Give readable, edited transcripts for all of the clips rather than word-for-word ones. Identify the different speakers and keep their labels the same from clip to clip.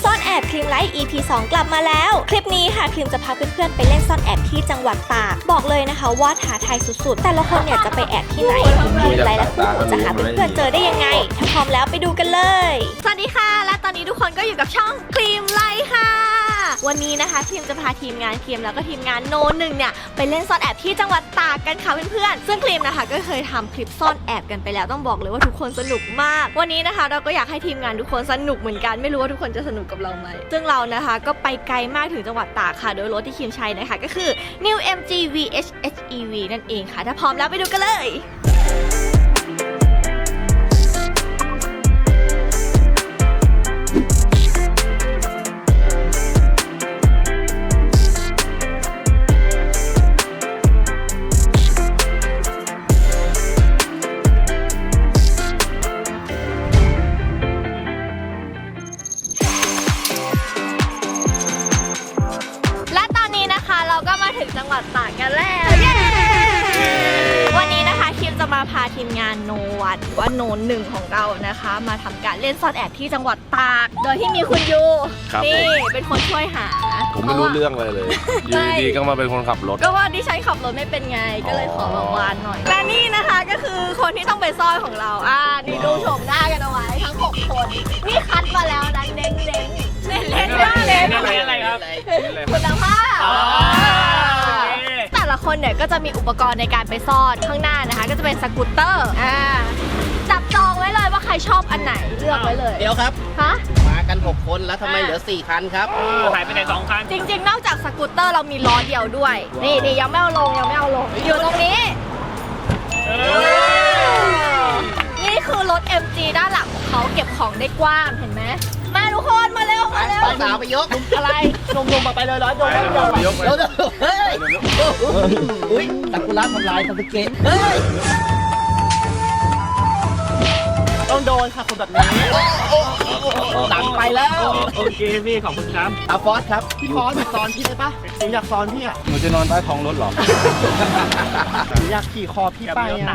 Speaker 1: ซ่อนแอบครีมไลท์ EP 2 กลับมาแล้วคลิปนี้ค่ะครีมจะพาเพื่อนๆไปเล่นซ่อนแอบที่จังหวัดตากบอกเลยนะคะว่าท้าทายสุดๆแต่ละคนเนี่ยจะไปแอบที่ไหนครีมไลท์และคู่หูจะหาเพื่อนๆเจอได้ยังไงถ้าพร้อมแล้วไปดูกันเลยสวัสดีค่ะและตอนนี้ทุกคนก็อยู่กับช่องครีมไลท์ค่ะวันนี้นะคะครีมจะพาทีมงานครีมแล้วก็ทีมงานโนหนึ่งเนี่ยไปเล่นซ่อนแอบที่จังหวัดตากกันค่ะเพื่อนๆซึ่งครีมนะคะก็เคยทำคลิปซ่อนแอบกันไปแล้วต้องบอกเลยว่าทุกคนสนุกมากวันนี้นะคะเราก็อยากให้ทีมงานทุกคนสนุกเหมือนกันไม่รู้ว่าทุกคนจะสนุกกับเราไหมซึ่งเรานะคะก็ไปไกลมากถึงจังหวัดตากค่ะโดยรถที่ครีมใช้นะคะก็คือ New MG VH HEV นั่นเองค่ะถ้าพร้อมแล้วไปดูกันเลยถึงจังหวัดตากกันแล้ววันนี้นะคะคิมจะมาพาทีมงานโนวัดหรือว่าโนหนึ่งของเรานะคะมาทำการเล่นซ่อนแอบที่จังหวัดตากโดยที่มีคุณยูนี่เป็นคนช่วยหา
Speaker 2: ผมไม่รู้เรื่องเลยอยู่ดีๆก็มาเป็นคนขับรถ
Speaker 1: ก็ว่าดิฉันขับรถไม่เป็นไงก็เลยขอมาวานหน่อยและนี่นะคะก็คือคนที่ต้องไปซ่อนของเรานี่ดูโฉมหน้ากันเอาไว้ทั้ง6คนนี่คัดมาแล้วนะเน้นเล่น
Speaker 2: อะไรครับ
Speaker 1: คุณภาพแต่ละคนเนี่ยก็จะมีอุปกรณ์ในการไปซ่อนข้างหน้านะคะก็จะเป็นสกูตเตอร์จับจองไว้เลยว่าใครชอบอันไหนเลือกไว้เลย
Speaker 3: เดี๋ยวครับ
Speaker 1: ฮะ
Speaker 3: มากัน6คนแล้วทำไมเหลือ4คันครับ
Speaker 4: หายไปไหน2คัน
Speaker 1: จริงๆนอกจากสกูตเตอร์เรามีล้อเดียวด้วยนี่ยังไม่เอาลงอยู่ตรงนี้นี่คือรถ MG ด้านหลังของเขาเก็บของได้กว้างเห็นไหมมาทุกคนมาเร็ว
Speaker 3: สาวไปยก
Speaker 1: อะไร
Speaker 3: นมไปเลยร้อยนมยกเฮ้ยอุ้ยตะกุระทำลายตะเกตเฮ้ยต้องโดนค่ะคนแบบนี้หลังไปแล้ว
Speaker 4: โอเคพี่ขอบคุณครับ
Speaker 3: ฟอสครับพี่ฟอสสอนพี่ได้ปะหนูอยากสอนพี่อ่ะ
Speaker 2: หนูจะนอนใต้ท้องรถหรอ
Speaker 3: หนูอยากขี่คอพี่ไปอ่ะ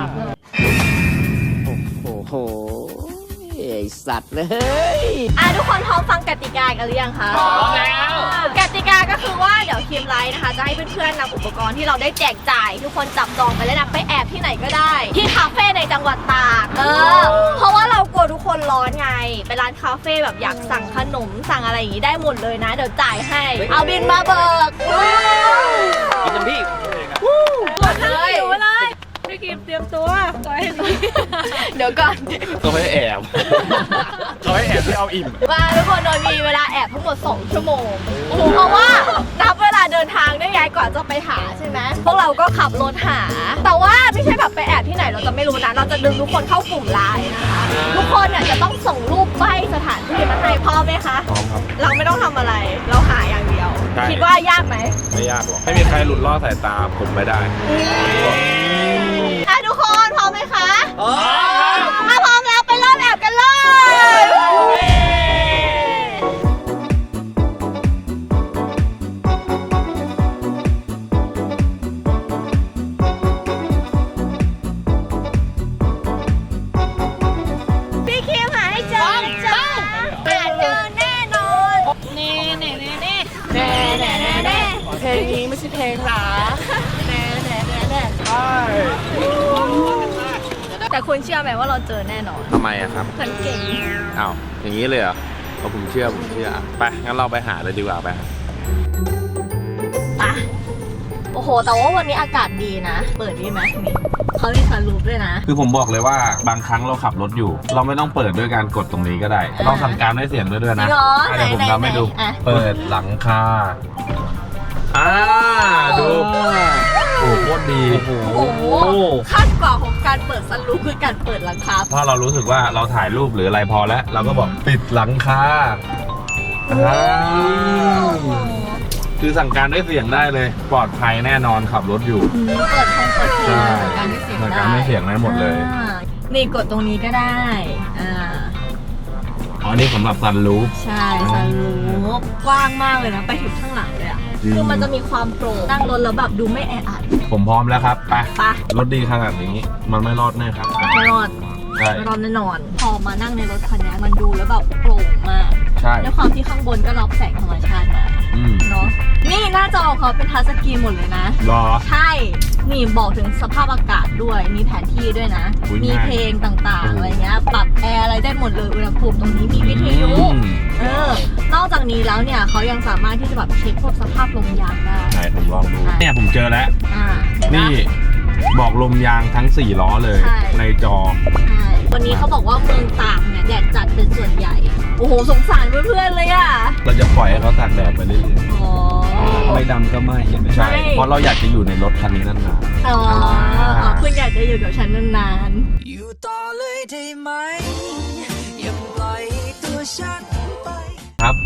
Speaker 3: โอ้โหไอสัตว์เลย
Speaker 1: ทุกคนพร้อมฟังกติกากันหรือยังคะ
Speaker 4: พร้อมแล้ว
Speaker 1: กติกาก็คือว่าเดี๋ยวทีมไลท์นะคะจะให้เพื่อนๆนำอุปกรณ์ที่เราได้แจกจ่ายทุกคนจับจองไปแล้วนะไปแอบที่ไหนก็ได้ที่คาเฟ่ในจังหวัดตากเพราะว่าเรากลัวทุกคนร้อนไงไปร้านคาเฟ่แบบอยากสั่งขนมสั่งอะไรอย่างนี้ได้หมดเลยนะเดี๋ยวจ่ายให้เอาบินมาเบิก
Speaker 3: กินน้ำพี่
Speaker 1: หมดเลยพี่กิมเตรียมตัวเดี๋ยวก่อน
Speaker 2: ตัวให้แอบที่เอาอิ่ม
Speaker 1: ว่าทุกคนโดยมีเวลาแอบทั้งหมด2 ชั่วโมงเพราะว่านับเวลาเดินทางได้ไงกว่าจะไปหาใช่ไหมพวกเราก็ขับรถหาแต่ว่าไม่ใช่แบบไปแอบที่ไหนเราจะไม่รู้นะเราจะดึงทุกคนเข้ากลุ่มไลน์นะคะทุกคนเนี่ยจะต้องส่งรูปใบสถานที่มาให้พร้อมไหมคะ
Speaker 2: พร้อมครับ
Speaker 1: เราไม่ต้องทำอะไรเราหาอย่างเดียวคิดว่ายากไหม
Speaker 2: ไม่ยากหรอกไม่มีใครหลุดล่อสายตาผมไม่ได้
Speaker 1: ทุกคนพร้อมไหมคะถ้าพร้อมแล้วไปเริ่มแอบกันเลยพี่คิมหาให้เจอแน่นอนนี่เพลงนี้ไม่ใช่เพลงหรอแต่คุณเชื่อไหมว่าเราเจอแน่นอน
Speaker 2: ทำไมอะครับ
Speaker 1: ฉันเก่ง
Speaker 2: อ้าวอย่างนี้เลยเหรอผมเชื่อไปงั้นเราไปหาเลยดีกว่าไป
Speaker 1: โอ้โหแต่ว่าวันนี้อากาศดีนะเปิดดีไหมนี่เขามีซันรูฟด้วยนะ
Speaker 2: คือผมบอกเลยว่าบางครั้งเราขับรถอยู่เราไม่ต้องเปิดด้วยการกดตรงนี้ก็ได้ลองสั่งการด้วยเสียงด้วยนะเดี๋ยวผมทำให้ดูเปิดหลังคาดูโอ้โคตรดี
Speaker 1: โอ้โหขั้นกว่าของการเปิดซันรูฟคือการเปิดหลังคา
Speaker 2: เพราะเรารู้สึกว่าเราถ่ายรูปหรืออะไรพอแล้วเราก็บอกปิดหลังคาคือสั่งการด้วยเสียงได้เลยปลอดภัยแน่นอนขับรถอยู่
Speaker 1: เปิดเพลงสั่งการด้วยเสียงได้
Speaker 2: สั่งการด้วยเสียงได้หมดเลย
Speaker 1: นี่กดตรงนี้ก็ได้
Speaker 2: อ๋อนี่สำหรับซันรูฟ
Speaker 1: ใช่ซันรูฟกว้างมากเลยนะไปถึงข้างหลังเลยคือมันจะมีความโปร่งนั่งรถแล้วแบบดูไม่แออัด
Speaker 2: ผมพร้อมแล้วครับไปรถดีขนาดนี้มันไม่รอดแน่ครับ
Speaker 1: ไม่รอดแน่นอนพอมานั่งในรถคันนี้มันดูแล้วแบบโปร่งมาก
Speaker 2: ใช่
Speaker 5: ด้วยความที่ข้างบนก็รับแสงธรรมชาติมา
Speaker 2: อืม
Speaker 5: เนาะนี่หน้าจอของเขาเป็นทัชสกรีนหมดเลยนะ
Speaker 2: รอ
Speaker 5: ใช่นี่บอกถึงสภาพอากาศด้วยมีแผนที่ด้วยนะ
Speaker 2: อุ๊ย
Speaker 5: มี
Speaker 2: ง่าย
Speaker 5: เพลงต่างๆอะไรเงี้ยปรับแอร์อะไรได้หมดเลยอุณหภูมิตรงนี้มีวิทยุ นอกจากนี้แล้วเนี่ยเขายังสามารถที่จะแบบเช็คพวกสภาพลมยางได้
Speaker 2: ไหนผมลองดู เนี่ยผมเจอแล้ว
Speaker 5: เห็นปะ
Speaker 2: นี่บอกลมยางทั้ง 4 ล้อเลย
Speaker 5: ใช่
Speaker 2: ในจอ
Speaker 5: ใช่วันนี้เขาบอกว่าเมืองตากเนี่ยแดดจัดเป็นส่วนใหญ่ โอ้โหสงสารเพื่อนๆเลยอ่ะ
Speaker 2: เราจะปล่อยให้เขาตากแดดไปเรื่อย
Speaker 5: อ๋อ
Speaker 2: ๆไม่ดำก็ไม่ใช่
Speaker 5: ไม่
Speaker 2: เพราะเราอยากจะอยู่ในรถคันนี้นาน
Speaker 5: อ๋อคุณอยากจะอยู่กับฉันนาน
Speaker 6: อยู่ต่อเลยได้ไหม อย่าปล่อยตัวฉันไป
Speaker 2: ๆครับ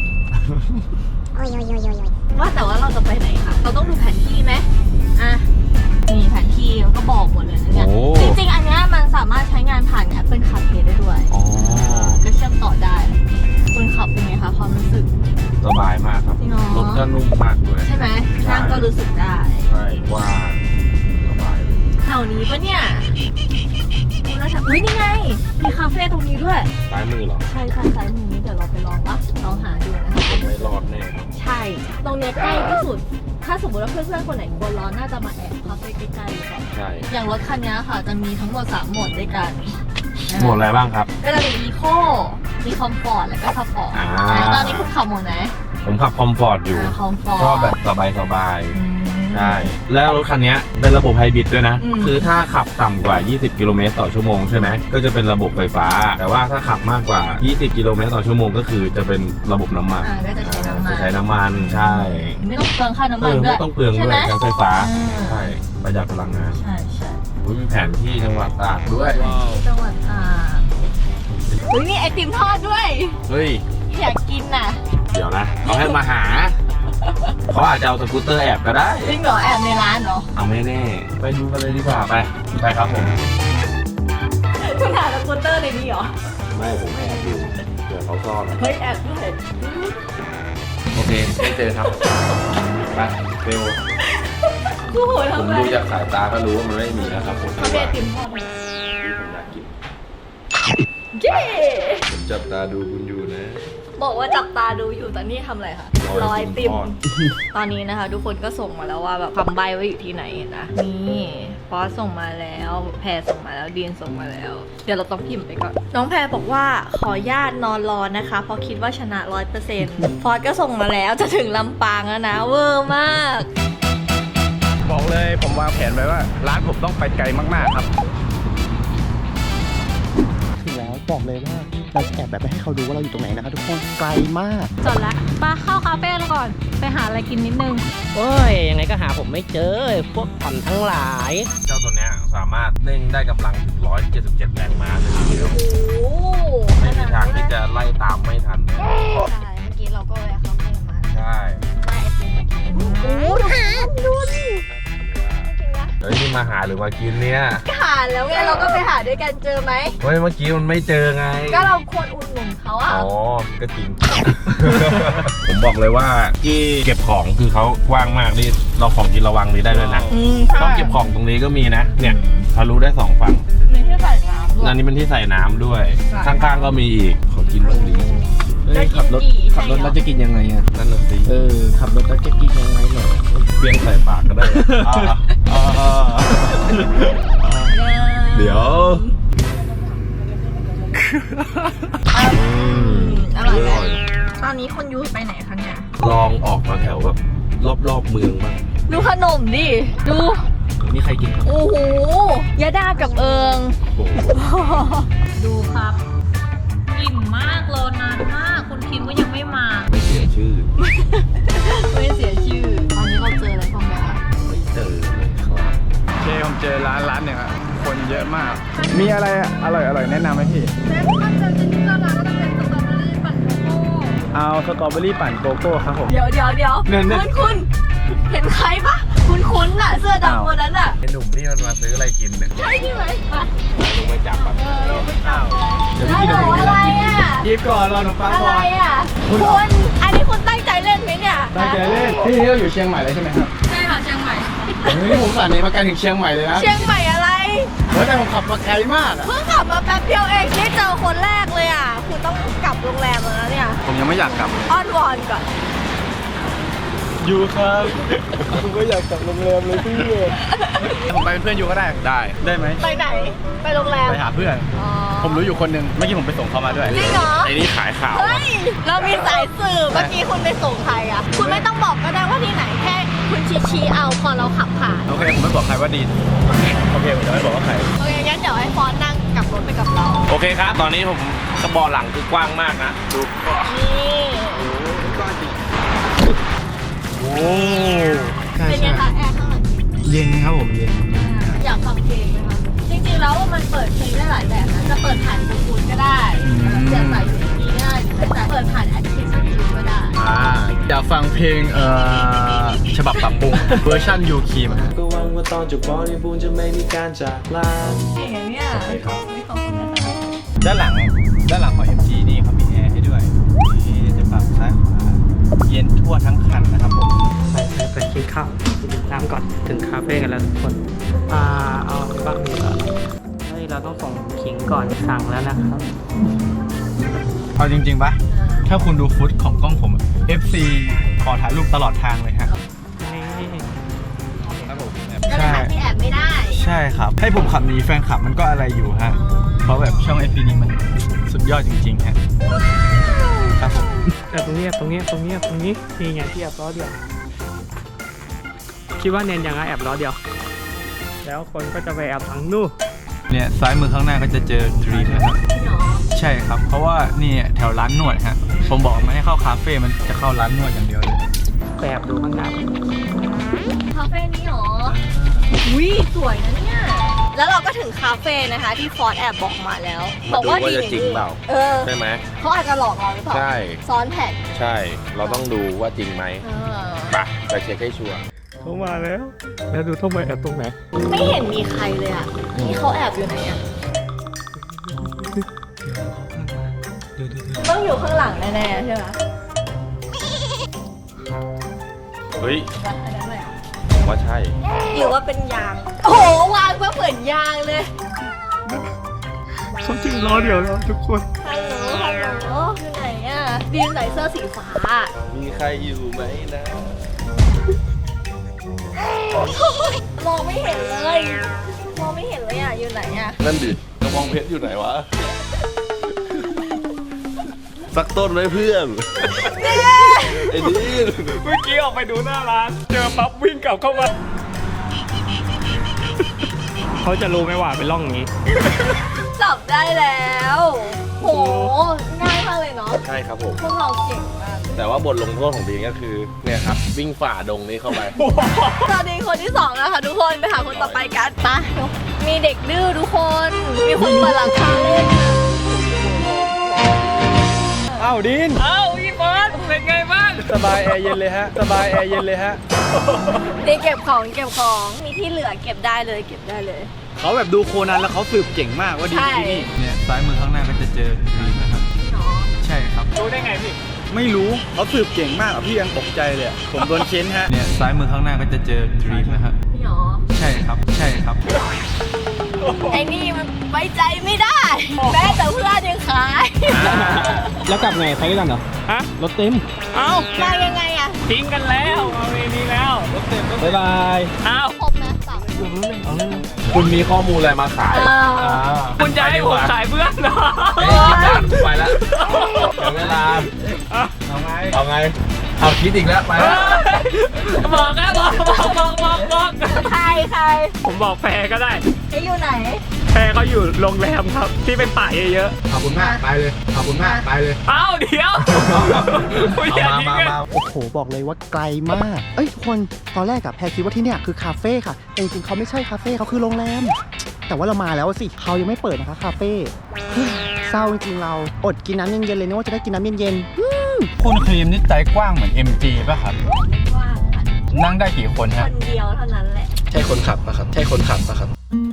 Speaker 5: ๆว่าแต่ว่าเราจะไปไหนคะเราต้องดูแผนที่ไหมอ่ะนี่แผนที่มันก็บอกหมดเลยนะเนี่ย
Speaker 2: โอ้
Speaker 5: จริงๆ อันเนี้ยมันสามารถใช้งานผ่าน Apple CarPlay ได้ด้วย
Speaker 2: อ๋อ
Speaker 5: ก็เชื่อมต่อได้คุณขับเป็นไงคะความรู้สึก
Speaker 2: สบายมากครับ
Speaker 5: จริงเหรอ
Speaker 2: รถก็นุ่มมากด้วย
Speaker 5: ใช่ไหมนั่งก็รู้สึกได้
Speaker 2: ใช่ว่างสบายเลย
Speaker 5: แถวนี้ปะเนี่ยคุณน่าจะอุ้ยนี่ไง มีคาเฟ่ตรงนี้ด้วย
Speaker 2: ซ้ายมือเหรอ
Speaker 5: ใช่ค่ะซ้ายมือนี้เดี๋ยวเราไปลองปะลองหาดูนะคะ
Speaker 2: ผมไม่รอดแน่
Speaker 5: ใช่ ตรงเนี้ยใกล้ที่สุด ถ้าสมมติว่าเพื่อนๆคนไหนกลัวร้อนน่าจะมาแอบคาเฟ่ใกล้ๆหรือเปล่า
Speaker 2: ใช่
Speaker 5: อย่างรถคันนี้ค่ะจะมีทั้งหมด3โหมดด้วยกัน
Speaker 2: หมดอะไรบ้างครับ
Speaker 5: ก็จะมีอีโคมีคอมฟอร์ตแล้วก็สปอร์ต
Speaker 2: อ่า
Speaker 5: ตอนนี้คุณขับโหมดไหน
Speaker 2: ผมขับคอมฟอร์ตอยู่
Speaker 5: คอมฟอร์ต
Speaker 2: ชอบแบบสบาย
Speaker 5: อืม
Speaker 2: ๆ ใช่ แล้วรถคันนี้เป็นระบบไฮบริดด้วยนะ
Speaker 5: อืม
Speaker 2: คือถ้าขับต่ำกว่า 20 กิโลเมตรต่อชั่วโมงใช่ไหม ก็จะเป็นระบบไฟฟ้า แต่ว่าถ้าขับมากกว่า 20 กิโลเมตรต่อชั่วโมงก็คือจะเป็นระบบน้ำมัน
Speaker 5: ก็จะใช้น้ำมัน
Speaker 2: จะใช้น้ำมัน ใช่
Speaker 5: ไม่ต้องเปลืองค่าน้ำมันด้ว
Speaker 2: ไม่
Speaker 5: ย
Speaker 2: ต้องเปลือง
Speaker 5: ใช่
Speaker 2: ด้ว
Speaker 5: ไหม
Speaker 2: ยใช้ไฟฟ้า
Speaker 5: อืม
Speaker 2: ใช่ ประหยัดพลังงาน
Speaker 5: ใช่ใช่
Speaker 2: อุ๊ยมีแผนที่จังหวัดตากด้วย
Speaker 5: จังหวัดตากอุ้ยมีไอติมทอดด้วย
Speaker 2: เฮ้ย
Speaker 5: อยากกินน่ะ
Speaker 2: เดี๋ยวนะเขาให้มาหา เขาอาจจะเอาสกูตเตอร์แอบก็ได้
Speaker 5: จริงเหรอแอบในร้านเหรอ
Speaker 2: เอาไม่แน่ ไปดูกันเลยดีกว่าไป ไปครับผม
Speaker 5: คุณหาสกูตเตอร์ในนี้เหรอ
Speaker 2: ไม่ผมแอบดูเดี๋ยวเขาซ่อน
Speaker 5: เฮ้ยแอบด้วย
Speaker 2: โอเค ไม่เจอครับ ไปเร็ว
Speaker 5: กูโห
Speaker 2: ผ
Speaker 5: ทำ
Speaker 2: ม
Speaker 5: ไม
Speaker 2: ดูจากสายตาก็รู้ว่ามันไม่มีนะครับผม
Speaker 5: เขาเป็นไอติมทอดไหม
Speaker 2: ที่ผมอยากกิน
Speaker 5: เย้
Speaker 2: ผมจับตาดูคุณอยู่นะ
Speaker 5: บอกว่าจับตาดูอยู่แต่นี่ทำอะไรคะ
Speaker 2: ร
Speaker 5: ร
Speaker 2: อ
Speaker 5: อ
Speaker 2: ไอ
Speaker 5: ไอ
Speaker 2: ติ
Speaker 5: ติ
Speaker 2: ม
Speaker 5: ม
Speaker 2: ทอด
Speaker 5: ตอนนี้นะคะ ทุกคนก็ส่งมาแล้วว่าแบบคำใบไว้อยู่ที่ไหนนะนี่ฟอสส่งมาแล้วแพรส่งมาแล้วดีนส่งมาแล้ว เดี๋ยวเราต้องพิมพ์ไปก่อนน้องแพรบอกว่าขอญาตนอนรอนะคะ เพราะคิดว่าชนะ 100%ฟอสก็ส่งมาแล้วจะถึงลำปางแล้วนะเวอร์มาก
Speaker 7: บอกเลยผมวางแผนไว้ว่าร้านผมต้องไปไกลมากๆครับ
Speaker 3: ถึงแล้วบอกเลยว่าเราจะแอบแบบไม่ให้เขาดูว่าเราอยู่ตรงไหนนะคะทุกคนไกลมาก
Speaker 8: จดละมาเข้าคาเฟ่แล้วก่อน ไปหาอะไรกินนิดนึง
Speaker 9: โอ้ย ยังไงก็หาผมไม่เจอ พวกผ่อนทั้งหลาย
Speaker 2: เจ้าตัวเนี้ยสามารถเร่งได้กำลังถึง 177 แรงม้าเลยทีเดียว
Speaker 5: โอ้โห
Speaker 2: ไม่มีทางที่จะไล่ตามไม่ทันแน่
Speaker 5: ใช่เมื่อกี้เราก็แวะคาเฟ่มา
Speaker 2: ใช่
Speaker 5: ได้ไอติมมากินโอ้โหดูดิกินนะ
Speaker 2: เฮ้ยนี่มาหาหรือมากินเนี่ย
Speaker 5: หาแล้วไงเราก็ไปหาด้วยกันเจอไหม
Speaker 2: เฮ้ยเมื่อกี้มันไม่เจอไง
Speaker 5: ก็เราควรอุดหนุนเขาอะ
Speaker 2: อ๋อ ก็จริง ผมบอกเลยว่าที่เก็บของคือเขากว้างมากนี่เราของกินระวังนี้ได้ด้วยนะ ต้องเก็บของตรงนี้ก็มีนะ เนี่ยทะลุได้สองฝั่ง
Speaker 5: มีที่ใส่น้ำด้วย
Speaker 2: อันนี้เป็นที่ใส่น้ำด้วย
Speaker 5: ใช่
Speaker 2: ข้างๆก็มีอีก ขอกินบ้างดิ
Speaker 3: เฮ้ยขับรถแล้วจะกินยังไงอะ
Speaker 2: นั่นน่ะสิ
Speaker 3: ขับรถแล้วจะกินยังไงเหรอ
Speaker 2: เปลี่ยนใส่ปากก็ได้เดี๋ยว
Speaker 5: อร่อยไหมตอนนี้คนยูไปไหนคะเนี่ย
Speaker 2: ลองออกมาแถวแบบรอบๆเมืองบ้าง
Speaker 5: ดูขนมดิ ดู
Speaker 3: นี่ใครกินครับ
Speaker 5: โอ้โหยาดากับเอิง
Speaker 2: โอ้โห
Speaker 8: ดูครับ อิ่มมากรอนานมาก คุณพิมพ์ก็ยังไม่มา
Speaker 2: ไม่เสียชื่อ
Speaker 5: ไม่เสียชื่อ ตอนนี้เราเจออะไรบ้างไหมคะ
Speaker 2: ไม่เจอเลยครับ
Speaker 7: โอเคผมเจอร้านหนึ่งอะคนเยอะมาก มีอะไรอร่อยแนะนำไหมพี่
Speaker 5: มันจะที่ร้านก็จะเป็นสตรอเบอรี่ปั่นโกโก้
Speaker 7: เอาสตรอเบอรี่ปั่นโกโก้ครับผม
Speaker 5: เดี๋ยวคุณเห็นใครปะคุณน่ะ เสื้อดำคนนั้นน่ะ
Speaker 2: ไอ้หนุ่มที่มันมาซื้ออะไรกินเนี่ย
Speaker 5: ใช่ใช่ไหมไป
Speaker 2: ลงไปจับแบบ
Speaker 5: ฮัลโหลอะไรอ่ะ
Speaker 7: ยิบก่อนรอหนูฟัง
Speaker 5: อะ
Speaker 7: ก่
Speaker 5: ไร
Speaker 7: อน
Speaker 5: อ่ะคุณอันนี้คุณตั้งใจเล่นไหมเนี่ย
Speaker 7: ตั้งใจเล่นพี่เราอยู่เชียงใหม่เลยใช่ไหมครับ
Speaker 5: ใช่ค่ะเชียงใหม่
Speaker 7: เฮ้ยผมสั่นนี้มาไกลถึงเชียงใหม่เลยนะ
Speaker 5: เชียงใหม่อะไร
Speaker 3: โอ้ยแต่ผมขับมาไกลมากอะ
Speaker 5: เพิ่งขับมาแป๊บเดียวเองได้เจอคนแรกเลยอ่ะ คุณต้องกลับโรงแรมแล้วนะเนี่ย
Speaker 7: ผมยังไม่อยากกลับ
Speaker 5: อ้อนวอนก่อน
Speaker 7: อยู่ครับผมก็อยากกลับโรงแรมเลยพี่ผมไปเป็นเพื่อนอยู่ก็ได้ได้ไหม
Speaker 5: ไปไหน ไปโรงแรม
Speaker 7: ไปหาเพื่อน
Speaker 5: อ๋อ
Speaker 7: ผมรู้อยู่คนหนึ่งเมื่อกี้ผมไปส่งเขามาด้วย
Speaker 5: จริงเหรอ
Speaker 2: ไอ้นี่ขายข่าว
Speaker 5: เฮ้ย เรามีสายสืบเมื่อกี้คุณไปส่งใครอ่ะ คุณไม่ต้องบอกก็ได้ว่าที่ไหนแค่คุณชี้เอาพอเราขับผ่าน
Speaker 7: โอเคผมไม่บอกใครว่าดีโอเคผมจะไม่บอกว่าใคร
Speaker 5: โอเคงั้นเดี๋ยวให้ฟอนนั่งกลับรถไปกับเรา
Speaker 2: โอเคครับ ตอนนี้ผมกระบอกหลังคือกว้างมากนะดู
Speaker 5: นี่
Speaker 7: โอ้
Speaker 5: เป็นไงคะแอร์ข้างหลัง
Speaker 7: เย็นครับผมเย็น
Speaker 5: อยากฟังเพลงไหมคะจริงๆแล้วมันเปิดเพลงได้หลายแบบนะจะเปิดผ่านบลูทูธก็ได้เสียบสาย USB ก็ได้หรือจะเปิดผ่านแอปพลิเคชันยูก็ได้
Speaker 7: อยากฟังเพลงฉบับปรับปรุงเวอร์ชันยูคีม
Speaker 6: ก็หวังว่าตอนจบบริบูรณ์จะไม่มีการจากลา
Speaker 5: อย่างเนี้ยไม่ขอบคุณนะคะ
Speaker 7: ด้านหลังของ MG นี่เขามีแอร์ให้ด้วยนี่จะปรับซ้ายขวาเย็นทั่วทั้งคันนะครับผม
Speaker 9: ไปกินข้าวดื่มน้ำก่อนถึงคาเฟ่กันแล้วทุกคนเอาบ้างดีกว่าเฮ้ยเราต้องส่งขิงก่อนสั่งแล้วนะครับ
Speaker 7: เอาจริงๆปะถ้าคุณดูฟุตของกล้องผม FC ขอถ่ายรูปตลอดทางเลยฮะ
Speaker 9: นี่
Speaker 7: ครับผม
Speaker 5: ก็เลยหาที่แอบไม่ได้
Speaker 7: ใช่ครับ ให้ผมขับหนีแฟนคลับมันก็อะไรอยู่ฮะ เพราะแบบช่อง FP นี้มันสุดยอดจริงๆฮะครับผม
Speaker 9: ตรงนี้นี่ไงที่แอบล้อเดียว คิดว่าเนนยังไงแอบล้อเดียว แล้วคนก็จะไปแอบทางนู่น
Speaker 7: เนี่ยซ้ายมือข้างหน้าก็จะเจอดรีมนะครับใช่ครับ เพราะว่านี่แถวร้านนวดฮะผมบอกไม่ให้เข้าคาเฟ่มันจะเข้าร้านนวดอย่างเดียวเลย
Speaker 9: ไปแอบดูข้างหน้า
Speaker 5: คาเฟ่นี้หรอ อุ้ยสวยนะเนี่ย แล้วเราก็ถึงคาเฟ่นะคะที่ฟอร์ดแอบบอกมาแล้ว บอกว่าดี
Speaker 2: จะจริงเปล่า
Speaker 5: เออ
Speaker 2: ใช่ไหม
Speaker 5: เขาอาจจะหลอกเราหรือเปล่า
Speaker 2: ใช่
Speaker 5: ซ้อนแผ่น
Speaker 2: ใช่ เราต้องดูว่าจริงไหม
Speaker 5: เออ
Speaker 2: ไปเช็คให้ชัวร์
Speaker 9: เขามาแล้ว แล้วดูต้องไปแอบตรงไหน
Speaker 5: ไม่เห็นมีใครเลยอ่ะ นี่เขาแอบอยู่ไหนอ่ะ ต้องอยู่ข้างหลังแน่ๆใช่ไหม
Speaker 2: เฮ้ย
Speaker 5: อันนั้นเลย
Speaker 2: ผมว่าใช่
Speaker 5: หรือว่าเป็นยาง โอ้โห วางเพื่อเหมือนยางเลย
Speaker 9: เขาจริงล้อเดียวแล้วทุกคน
Speaker 5: ฮัลโหลอยู่ไหนอ่ะดีมใส่เสื้อสีฟ้า
Speaker 2: มีใครอยู่ไหมนะ
Speaker 5: มองไม่เห็นเลย มองไม่เห็นเลยอ่ะ อยู่ไหนอ่ะ
Speaker 2: นั่นดิกระบองเพชรอยู่ไหนวะ สักต้นไหมเพื่อน ไอ้นี่
Speaker 4: เมื่อกี้ออกไปดูหน้าร้าน เจอปั๊บวิ่งกลับเข้ามา
Speaker 9: เขาจะรู้ไหมว่าเป็นร่องอย่างนี้
Speaker 5: จับได้แล้ว โห ง่ายมากเลยเนาะ
Speaker 2: ใช่ครับผม
Speaker 5: พวกเราเก่งมาก
Speaker 2: แต่ว่าบทลงโทษของบีก็คือ เนี่ยครับ วิ่งฝ่าดงนี้เข้าไป
Speaker 5: สวัสดีคนที่2แล้วค่ะทุกคน ไปหาคนต่อไปกันไปมีเด็กดื้อทุกคน มีคนเปิดหลังคาเล่น
Speaker 7: อ้าวดิน
Speaker 4: เอ้าพี่เฟิร์สเป็นไงบ้าง
Speaker 7: สบายแอร์เย็นเลยฮะ สบายแอร์เย็นเลยฮะ
Speaker 5: นี่เก็บของมีที่เหลือเก็บได้เลยเก็บได้เลย
Speaker 7: เขาแบบดูโคนันแล้วเขาสืบเก่งมากว่าดี
Speaker 5: ใช่
Speaker 7: ที่นี่เนี่ยซ้ายมือข้างหน้าก็จะเจอดรีมนะครับ
Speaker 5: เนาะ
Speaker 7: ใช่ครับ
Speaker 4: รู้ได้ไงพี่
Speaker 7: ไม่รู้เขาสืบเก่งมากอะพี่ยังตกใจเลยอะผมโดนเค้นฮะ เนี่ยซ้ายมือข้างหน้าก็จะเจอดรีมนะครับ
Speaker 5: นี่หรอ
Speaker 7: ใช่ครับ ใช่ครับ
Speaker 5: ไอ้นี่มันไว้ใจไม่ได้ แม้แต่เพื่อนยังขาย
Speaker 9: แล้วกลับไงไปด้วยกันเหรอ
Speaker 4: ฮะ
Speaker 9: รถเต็ม
Speaker 4: เอ้า
Speaker 5: มายังไงอะ
Speaker 4: ทิ้งกันแล้วเอาเวนี้แล้ว
Speaker 9: บ๊ายบาย
Speaker 4: เอ้า
Speaker 5: ครบนะสาม
Speaker 2: คุณมีข้อมูลอะไรมาขาย
Speaker 4: คุณจะให้ผมขายเพื่อนเหรอ
Speaker 2: ไปแล้วเดี๋ยวเวลา เอาไง เอาคิดอีกแล้วไปแล้ว
Speaker 4: บอกนะบอก
Speaker 5: ใคร
Speaker 4: ผมบอกแพรก็ได้
Speaker 5: ไอ้อยู่ไหน
Speaker 4: แพรเขาอยู่โรงแรมครับ ที่เป็นป่าเยอะ
Speaker 7: ขอบคุณมาก ไปเลย ขอบคุณมาก ไปเลย
Speaker 4: ๆ เอ้าเดี๋ยวคุณอย่าทิ้งกัน
Speaker 3: โอ้โห บอกเลยว่าไกลมาก เอ้ยทุกคนตอนแรกอะแพรคิดว่าที่เนี่ยคือคาเฟ่ค่ะ แต่จริงๆเขาไม่ใช่คาเฟ่เขาคือโรงแรม แต่ว่าเรามาแล้วสิเขายังไม่เปิดนะคะคาเฟ่เฮ้ยเศร้าจริงๆเราอดกินน้ำเย็นๆเลยนึกว่าจะได้กินน้ำเย็น
Speaker 7: คุณครีมนี่ใจกว้างเหมือน MG ป่ะครับ
Speaker 5: ไม่กว้างค่ะ
Speaker 7: นั่งได้กี่คน
Speaker 5: ค
Speaker 7: ฮะ
Speaker 5: นเดียวเท่านั้นแหละ
Speaker 7: ใช่คนขับป่ะครับ ใช่คนขับป่ะครับ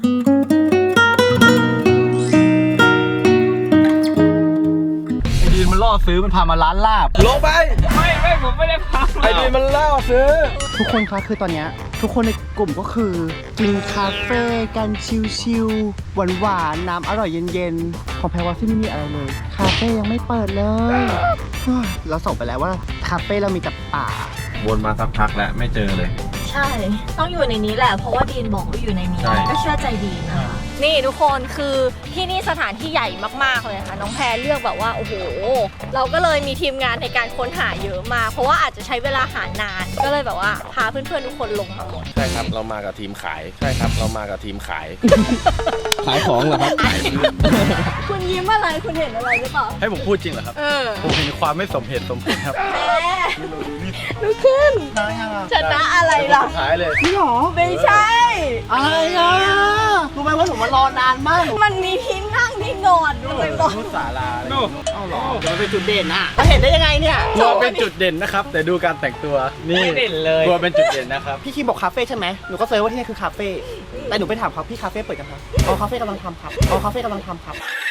Speaker 7: ไอ้ดีนมันล่อซื้อมันพามาร้านลาบ ลงไป
Speaker 4: ไม่ผมไม่ได้พัก
Speaker 7: ไอ้ดีนมันล่อซื้อ
Speaker 3: ๆทุกคนคะคือตอนเนี้ยทุกคนในกลุ่มก็คือกินคาเฟ่กันชิลๆหวานๆน้ำอร่อยเย็นๆของแพรว่าที่ไม่มีอะไรเลยคาเฟ่ยังไม่เปิดเลยเราส่งไปแล้วว่าคาเฟ่เรามีแต่ป่า
Speaker 2: วนมาสักพักแล้วไม่เจอเลย
Speaker 5: ใช่ ต้องอยู่ในนี้แหละ เพราะว่าดีนบอกว่าอยู่ในนี้
Speaker 2: ใช่
Speaker 5: ก็เชื่อใจดีนนะคะ นี่ทุกคนคือที่นี่สถานที่ใหญ่มากๆเลยค่ะ น้องแพรเลือกแบบว่าโอ้โห เราก็เลยมีทีมงานในการค้นหาเยอะมาก เพราะว่าอาจจะใช้เวลาหานาน ก็เลยแบบว่าพาเพื่อนๆทุกคนลงมาหมด
Speaker 2: ใช่ครับเรามากับทีมขายใช่ครับเรามากับทีมขาย ขายของเหรอครับขายเพื่อน
Speaker 5: คุณยิ้มอะไร คุณเห็นอะไรหรือเปล่า
Speaker 7: ให้ผมพูดจริงเหรอครับ ผมเห็นความไม่สมเหตุสมผลครับ
Speaker 5: ลุกขึ้นชนะอะไรล่ะ
Speaker 7: สุดท้ายเลย
Speaker 3: นี่หรอ
Speaker 5: ไม่ใช่
Speaker 3: อะไรอ่ะรู้ไหมว่าหนูมารอนานมาก
Speaker 5: มันมีที่นั่งที่นอนด้วยบอก
Speaker 7: นุสาราเลย
Speaker 3: เอาหรอมันเป็นจุดเด่นอ่ะเราเห็นได้ยังไงเนี่ย
Speaker 7: กลัวเป็นจุดเด่นนะครับ แต่ดูการแต่งตัว นี่เด่นเลยกลัวเป็นจุดเด่นนะครับ
Speaker 3: พี่คีบอกคาเฟ่ใช่ไหมหนูก็เซิร์ชว่าที่นี่คือคาเฟ่แต่หนูไปถามเขาพี่คาเฟ่เปิดยังครับอ๋อคาเฟ่กำลังทำครับอ๋อคาเฟ่กำลังทำครับ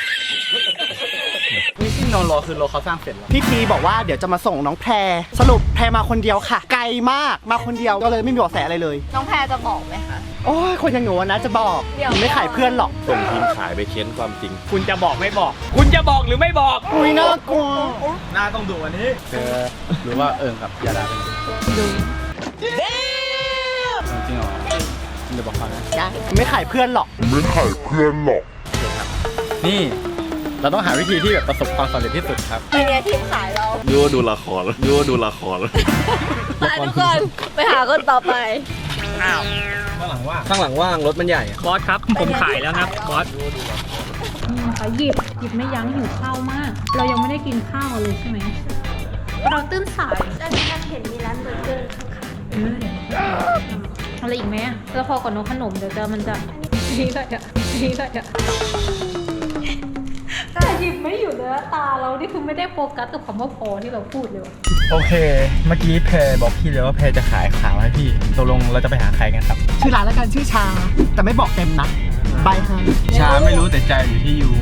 Speaker 7: นี่ที่นอนรอคือรอเขาสร้างเสร็จแล้ว
Speaker 3: พี่พีบอกว่าเดี๋ยวจะมาส่งน้องแพรสรุปแพรมาคนเดียวค่ะ ไกลมากมาคนเดียวก็เลยไม่มีเบาะแสอะไรเลย
Speaker 5: น้องแพรจะบอกไหมคะ
Speaker 3: โอ้ยคนอย่างหนูอะนะจะบอก
Speaker 5: เดี๋ยว
Speaker 3: หนูไม่ขายเพื่อนหรอก
Speaker 2: ส่งทีมขายไปเค้นความจริง
Speaker 4: คุณจะบอกไม่บอก คุณจะบอกหรือไม่บอก
Speaker 3: อุ้ยน่ากลัว
Speaker 7: หน้าต้องดูอันนี้หรือว่ากับยาดาเป็นจริงเหรอเดี๋ยวบอกเขานะ
Speaker 3: ไม่ขายเพื่อนหรอก
Speaker 7: นี่ เราต้องหาวิธีที่แบบประสบความสำเร็จที่สุดครับ
Speaker 5: ทีเนี้ยทีมขายเรา
Speaker 2: ยั่วดูละครยั่วดูละคร
Speaker 5: ไปทุกคนไปหาคนต่อไป
Speaker 7: ข้างหลังว่างรถมันใหญ่
Speaker 4: บอสครับ ผมขายแล้วนะบอส
Speaker 8: นี่นะคะหยิบไม่ยั้งหิวข้าวมาก เรายังไม่ได้กินข้าวเลยใช่ไหม เราตื่นสาย
Speaker 5: แล้วนี่เห็นมีร้านเบอร์เกอร์ข้าง
Speaker 8: อะไรอีกไหมอะแล้วพอก่อนน้องขนมเดี๋ยวมันจะนี่ได้อะแต่หยิบไม่อยู่เลยนะตาเรานี่คือไม่ได้โฟกัสกับคำว่าพอที่เราพูดเลยว่ะ
Speaker 7: โอเค เมื่อกี้แพรบอกพี่เลยว่าแพรจะขายขาวให้พี่ตกลงเราจะไปหาใครกันครับ
Speaker 3: ชื่อร้านแล้วกันชื่อชา แต่ไม่บอกเต็มนะบายฮะ
Speaker 7: ชาไม่รู้แต่ใจอยู่ที่ยู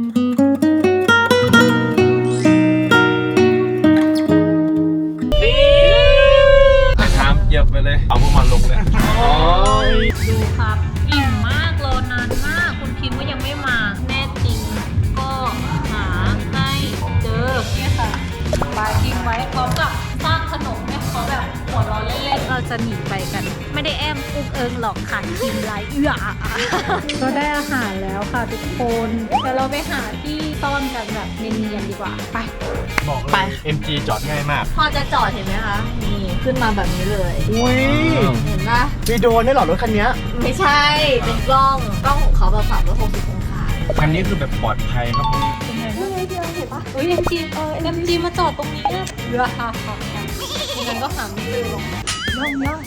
Speaker 2: ถามเหยียบไปเลย เอาพวกมันลงเลย
Speaker 8: ดูครับอิ่มมากรอนานมากคุณคิมก็ยังไม่มาแน่จริงก็หาให้เจอเนี่ยค่ะปาทิ้งไว้พร้อมกับสร้างขนมให้เขาแบบหัวเราะเล่นๆเราจะหนีไปกัน ไม่ได้แอมอุ้งเอิงหรอกค่ะทีมไรเอื้อก็ได้อาหารแล้วค่ะทุกคนเดี๋ยวเราไปหาที่ซ่อนกันแบบเนียนๆดีกว่าไป
Speaker 7: บอกเลย MG จอดง่ายมาก
Speaker 5: พอจะจอดเห็นไหมคะ นี่ขึ้นมาแบบนี้เลย
Speaker 3: อุ้ย
Speaker 5: เห็นปะ
Speaker 3: มีโดรนได้วยเหรอรถคันเนี้ย
Speaker 5: ไม่ใช่ เป็นกล้องของเขาแบบ360องศา
Speaker 2: อันนี้คือแบบปลอดภัยครับผม
Speaker 8: เฮ้ย MG มาจอดตรงนี้เรือค่ะงั้นก็หาไม่เจอหรอกย่อง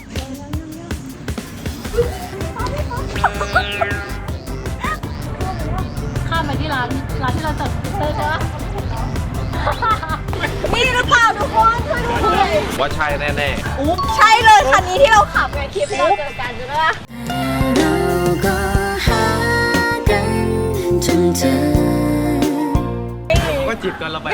Speaker 8: ข้ามไปที่ร้านที่เราจอดสกูตเตอร์ใช่ปะ
Speaker 5: นี่หรือเปล่าทุกคนช่วยดูหน่อย
Speaker 2: ว่าใช่แน่
Speaker 5: ใช่เลยคันนี้ที่เราขับไงคลิปที่เราเจอกันใช่ไหมล่ะ
Speaker 6: เราก็หากันจนเจอ
Speaker 7: ก็จีบกันเราไป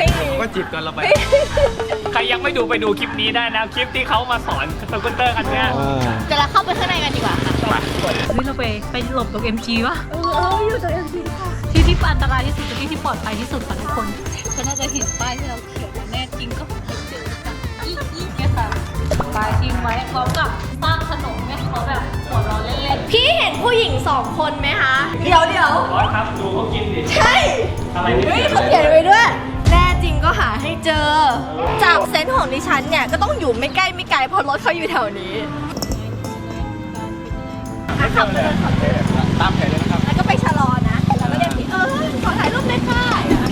Speaker 4: ใครยังไม่ดูไปดูคลิปนี้ได้นะ คลิปที่เขามาสอนสกูตเตอร์คันเนี้ย
Speaker 5: เดี๋ยวเราเข้าไปข้างในกันดีกว่าค่ะ
Speaker 8: เฮ้ยเราไปหลบตรง MG วะ
Speaker 5: อยู่ตรง MG ค่ะ
Speaker 8: ที่อันตรายที่สุดที่ปลอดภัยที่สุดค่ะทุกคนก็น่าจะเห็นป้ายที่เราเขียนแน่จริงก็เจอค่ะอีแค่ค่ะป้ายทิ้งไว้พร้อมกับสร้างขนมให้เขาแบบหัวเราะเล่นๆ
Speaker 5: พี่เห็นผู้หญิง2 คนไหมคะ เดี๋ยว
Speaker 4: บอสครับดูเขากินดิ
Speaker 5: ใช่
Speaker 4: อะไรเนี่ย
Speaker 5: เฮ้ยเขาเขียนไว้ด้วย แน่จริงก็หาให้เจอ จากเซนส์ของดิฉันเนี่ยก็ต้องอยู่ไม่ใกล้ไม่ไกลเพราะรถเขาอยู่แถวนี้ขับไปเลยขับไปเลย
Speaker 7: ตามแผนเลยนะครับ
Speaker 5: แล้วก็ไปชะลอนะแล้วก็เรียกพี่ขอถ่ายรูปเลยค่ะ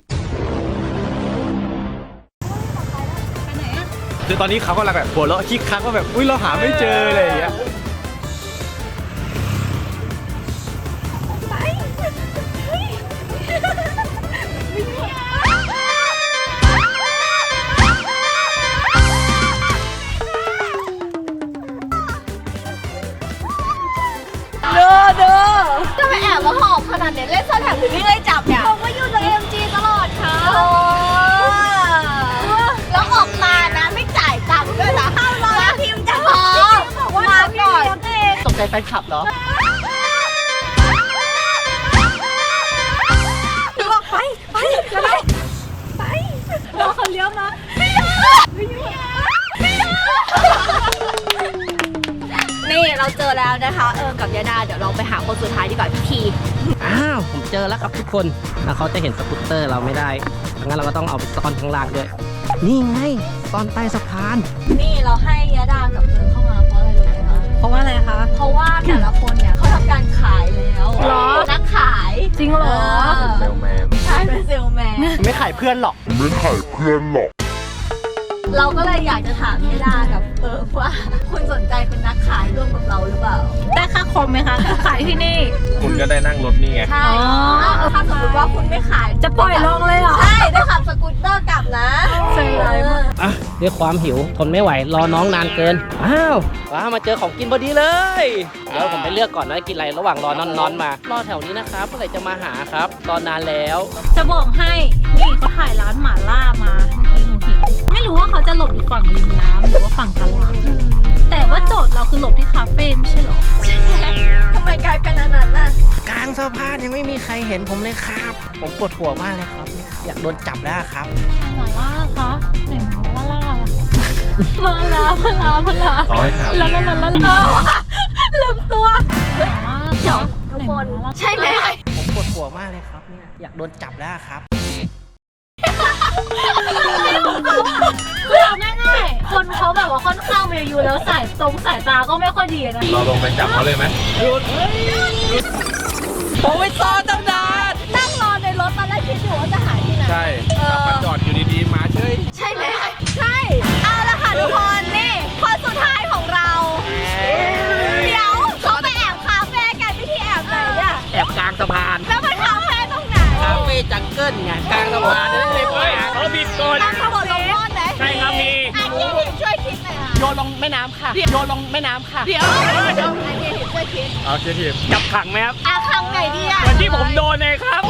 Speaker 7: คือตอนนี้เขากำลังแบบหัวเราะคิกคักว่าแบบอุ้ยเราหาไม่เจออะไรอย่างเงี้ย
Speaker 5: เด้อจะไปแอบมาหอบขนาดเนี้ยเล่นซ่อนแอบถึงไม่ได้จับเนี่ยผมก็อยู่ใน MG ตลอดค่ะแล้วออกมานะไม่จ่ายตังค์ด้วยนะ500ทีมจะพอมาก่อน
Speaker 3: ใจแฟนคลับเหรอ
Speaker 8: รอเขาเลี้ยวมา
Speaker 5: นี่เราเจอแล้วนะคะ กับยาดาเดี๋ยวเราไปหาคนสุดท้ายดีกว่าพี่ที
Speaker 9: อ้าว ผมเจอแล้วครับทุกคน แล้วเขาจะเห็นสกูตเตอร์เราไม่ได้งั้นเราก็ต้องเอาไปซ่อนข้างล่างด้วย นี่ไงซ่อนใต้สะพาน
Speaker 5: นี่เราให้ยาดากับเข้ามาเพราะอะไรรู้ไหมคะ
Speaker 8: เพราะว่าอะไรคะ
Speaker 5: เพราะว่าแต่ละคนเนี่ยเขาทำการขายแล้ว
Speaker 8: หรอ
Speaker 5: นักขาย
Speaker 8: จริงเหรอ
Speaker 2: เซลแมน
Speaker 5: ใช่เป็นเซลแมน
Speaker 3: ไม่ขายเพื่อนหรอก
Speaker 5: เราก็เลยอยากจะถามยาดากับว่าคุณสนใจเป็นนักขายร่วมกับเราหรือเปล่า
Speaker 8: ได้ค่าคอมไหมคะขายที่นี่
Speaker 2: คุณก็ได้นั่งรถนี่ไง
Speaker 5: ใช่ถ้าสมมติว่าคุณไม่ขาย
Speaker 8: จะปล่อยลงเลยเหรอ
Speaker 5: ใช่ได้ขับสกูตเตอร์กลับนะ
Speaker 8: ใจร้ายมาก
Speaker 9: อ่ะด้วยความหิวทนไม่ไหวรอน้องนานเกิน อ้าวว้ามาเจอของกินพอดีเลยเดี๋ยวผมไปเลือกก่อนนะกินอะไรระหว่างรอน้อนๆมารอแถวนี้นะครับเมื่อไหร่จะมาหาครับรอนานแล้ว
Speaker 8: จะบอกให้ นี่เขาถ่ายร้านหม่าล่ามาเมื่อกี้หนูเห็นไม่รู้ว่าเขาจะหลบอยู่ฝั่งริมน้ำหรือว่าฝั่งตลาด แต่ว่าโจทย์เราคือหลบที่คาเฟ่ไม่ใช่เหรอ
Speaker 5: ทำไมกลายเป็นอันนั้นน่ะ
Speaker 9: กลางสะพานยังไม่มีใครเห็นผมเลยครับ ผมปวดหัวมากเลยครับ อยากโดนจับแล้วครับ
Speaker 8: หม่าล่าคะไหนหม่าล่ามาลา
Speaker 2: ขอให้ถาม
Speaker 8: ลาลืมตัวหม่าล่า
Speaker 5: เดี๋ยวทุกคน ใช่ไหม
Speaker 9: ผมปวดหัวมากเลยครับเนี่ยอยากโดนจับแล้วครับ
Speaker 8: คือเอาง่ายๆคนเขาแบบว่าค่อนข้างมีอายุแล้วสายตาก็ไม่ค่อยดีนะ
Speaker 2: เราลงไปจับเขาเลยไหม
Speaker 9: ผมไปซ่อนตั้งนาน
Speaker 5: นั่งรอในรถตอนแรกคิดอยู่ว่าจะหาที่ไหน
Speaker 2: ใช่ขับมาจอดอยู่ดีๆ มาเฉย
Speaker 5: ใช่ไหมใช่ เอาละค่ะทุกคนนี่คนสุดท้ายของเรา เดี๋ยวเขาไปแอบคาเฟ่กันวิธีแอบไหนเนี่ย
Speaker 9: แอบกลางสะพาน
Speaker 5: แล้วมันคาเฟ่ตรงไหน
Speaker 9: คาเฟ่จังเกิลไงกลางสะพานนั่นเลยไป
Speaker 4: เขาผิดกฎ
Speaker 5: ตั้งขบวนลงโทษไหม
Speaker 4: ใช่ครับมี
Speaker 5: อ่ะพี่หิมช่วยคิดหน่อยค่ะ
Speaker 9: โยนลงแม่น้ำค่ะโยนลงแม่น้ำค่ะ
Speaker 5: เดี๋ยวอ่ะพี่หิมช่วยคิด
Speaker 4: โอเคทีจับขังไหมครับ
Speaker 5: อ่ะคำไหนดีอ่ะ
Speaker 4: เหมือนที่ผมโดนเลยครับ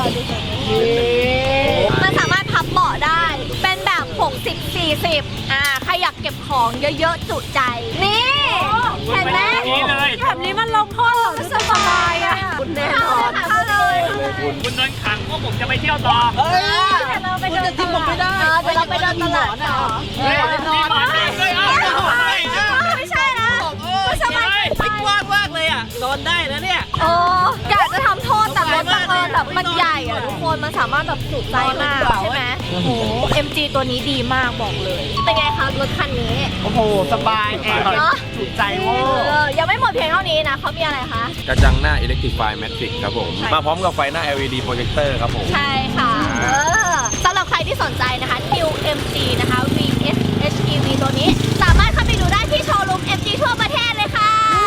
Speaker 5: มันสามารถพับเบาะได้ เป็นแบบ 60-40 ใครอยากเก็บของเยอะๆจุใจ นี่ เห็นไหม
Speaker 4: นี่เลย
Speaker 8: แบบนี้มันลงโทษเราสบายอ่ะ
Speaker 5: คุณแน่นอนเข้าเลย
Speaker 4: คุณโดนขังพวกผมจะไปเที่ยวต่อ
Speaker 8: แต่เราไปเดินตลาด
Speaker 5: เดี๋ยวเราไปเดินตลาดต่อ
Speaker 4: เฮ้ยมีหมอนด้วยเอา
Speaker 5: ไม่ใช่นะไม่สบาย
Speaker 9: ไม่กว้างมากเลยอ่ะโดนได้นะเนี่ย
Speaker 5: โอ้อยากจะทำโทษแต่รถบังเอิญแบบมันใหญ่อะทุกคนมันสามารถแบบจุใจมากใช่ไหมโอ้โห MG ตัวนี้ดีมากบอกเลย เป็นไงคะรถคันนี้
Speaker 9: โอ้โหสบายแอร์
Speaker 5: เนาะ
Speaker 9: ถูกใจเว้ย
Speaker 5: ยังไม่หมดเพียงเท่านี้นะเขามีอะไรคะ
Speaker 2: กระจังหน้า Electrify Matrix ครับผม มาพร้อมกับไฟหน้า LED Projector ครับผม
Speaker 5: ใช่ค่ะสำหรับใครที่สนใจนะคะ New MG นะคะ VS HEV ตัวนี้ สามารถเข้าไปดูได้ที่โชว์รูม MG ทั่วประเทศเลยค่ะ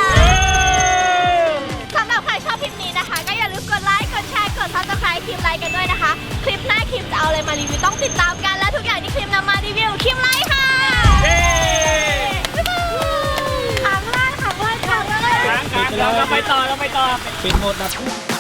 Speaker 5: สำหรับใครชอบคลิปนี้นะคะ ก็อย่าลืมกดไลค์ กดแชร์ กด Subscribe คลิปไลค์กันด้วยนะคะ คลิปหน้าคลิปจะเอาอะไรมารีวิวต้องติดตามกัน และทุกอย่างที่คลิปนำมารีวิวคลิปไลค์ค่ะขังไล่
Speaker 4: เราไปต่อ
Speaker 9: เป็นหมดนะ